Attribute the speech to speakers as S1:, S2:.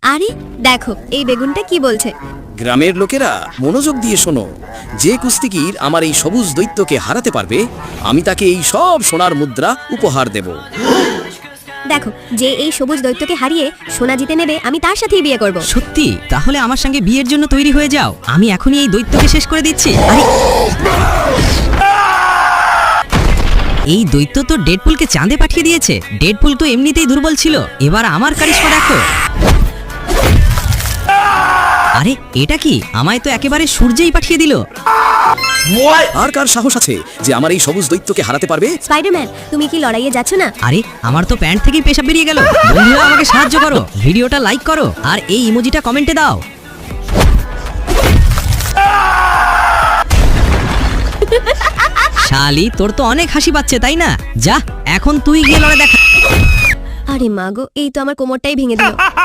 S1: আরে দেখো এই বেগুনটা কি বলছে।
S2: গ্রামের লোকেরা মনোযোগ দিয়ে শোনো, যে কুস্তিগীর আমার এই সবুজ দৈত্যকে হারাতে পারবে আমি তাকে এই সব সোনার মুদ্রা উপহার দেব।
S1: দেখো যে এই সবুজ দৈত্যকে হারিয়ে সোনা জিতে নেবে আমি তার সাথেই বিয়ে করব।
S3: সত্যি? তাহলে আমার সঙ্গে বিয়ের জন্য তৈরি হয়ে যাও, আমি এখনই এই দৈত্যকে শেষ করে দিচ্ছি। আরে এই দৈত্য তো ডেডপুলকে চাঁদে পাঠিয়ে দিয়েছে। ডেডপুল তো এমনিতেই দুর্বল ছিল, এবার আমার কারিশমা দেখো। আরে এটা কি? আমায় তো একেবারে সূর্যেই পাঠিয়ে দিল।
S2: আর কার সাহস আছে যে আমার এই সবুজ দৈত্যকে হারাতে পারবে?
S1: স্পাইডারম্যান তুমি কি লড়াইয়ে যাচ্ছ না?
S3: আরে আমার তো প্যান্ট থেকেই পেশাব বেরিয়ে গেল। বন্ধুরা আমাকে সাহায্য করো, ভিডিওটা লাইক করো আর এই ইমোজিটা কমেন্টে দাও। শালি তোর তো অনেক হাসি পাচ্ছে তাই না? যা এখন তুই গিয়ে লড়ে দেখা।
S1: আরে মাগো এই তো আমার কোমরটাই ভেঙে দিল।